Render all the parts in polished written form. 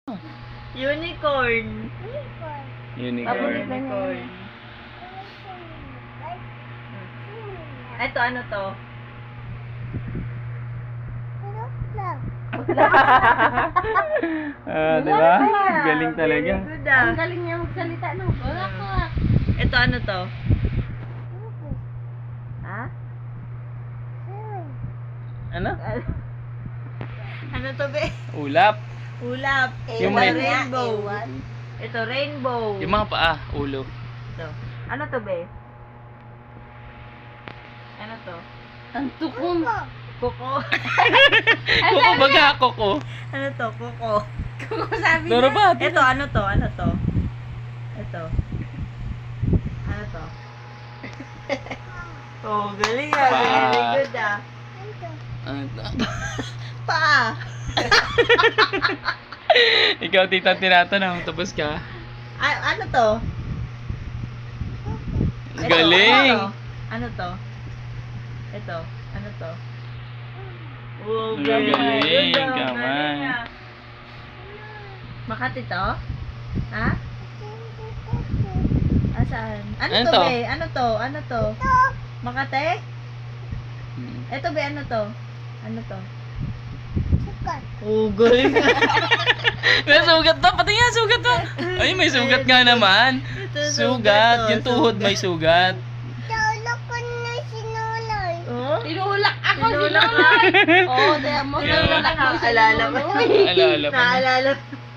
Unicorn. Unicorn. Unicorn. Ito, ano to? Diba? Galing talaga. Very good ah. Ang galing niya magsalita, no? Wala ka. Ito, ano to? Ha? Ano? Ano to, be? Ulap. Ulap. Yung Ito, may- rainbow. Ito, rainbow. Yung mga paa, ulo. Ito. Ano to, be? Ano to? Ang tukom. Kuko. Koko baga, koko. Ano to? Kuko. Kuko sabi Doro niya. ba? Ito, ano to? Ano to? Ito. Ano to? Oh, galing ah. Pa. Very good ah. Ano to? Pa. Ikaw, tita, tinatanong. Tapos ka. Ano to? Ito, Galing. Ano to? Ito. Ano to? Oh, Galing, Good ah. gaman. Galing ah. Makati to? Ha? Asaan? Ano Ano to, to? be? Ano to? Ano to? Makate? Ito, be, ano to? Ano to? Oh, galing. May sugat to. Pati nga, sugat to. Ay, may sugat nga naman. Ito, Sugat. to. Yung tuhod may sugat. Oh? Tinulak ako si Tinulak Lola. Oo, dahil mo. Yeah. Tinulak mo si Naalala mo. Lola. Alala pa. Naalala.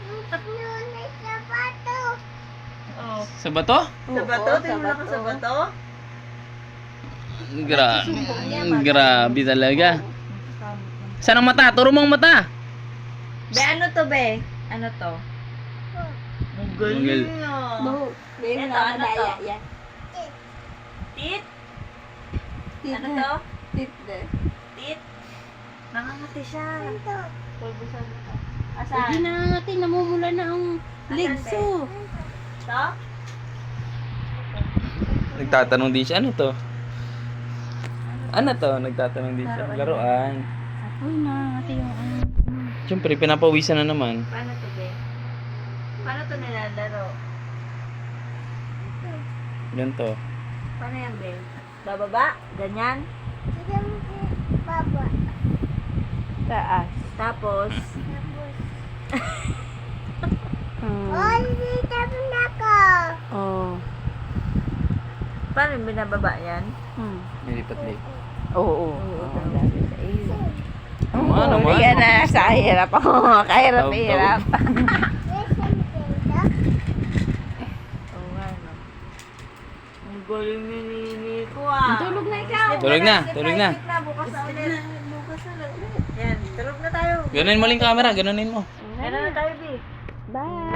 Oh. Sa bato? Sa bato? Tinulak ka sa bato? Grabe talaga. Saan ang mata? Turo mo ang mata. Be, ano to, be? Ano to? Ang galing ah. Ito, ano to? Tit? Ano to? Tit? Nakangati siya. Pulbusan mo to. Hindi Asaan? na natin, namumula na ang legs oh. To? Nagtatanong din siya, ano to? Ano to? Nagtatanong din siya. Laruan. Uy, nakangati yung ano. Siyempre, pinapawisan na naman. Paano to, be? Paano to nilalaro? Ganito. Paano yan, be? Bababa? Ganyan? Taas. Tapos? Oh. Paano yung binababa yan? Nilipat-lipat. Oo. Naman, naman. Yan na, sa hirap ako. Kahirap-hirap. Oo nga, no? Ang galing ni Nini ko ah. Tulog na ikaw. Tulog na, tulog na. Sleep na, bukas na ulit. Yan, tulog na tayo. Ganunin mo lang yung camera, ganunin mo. Yan na tayo, B. Bye.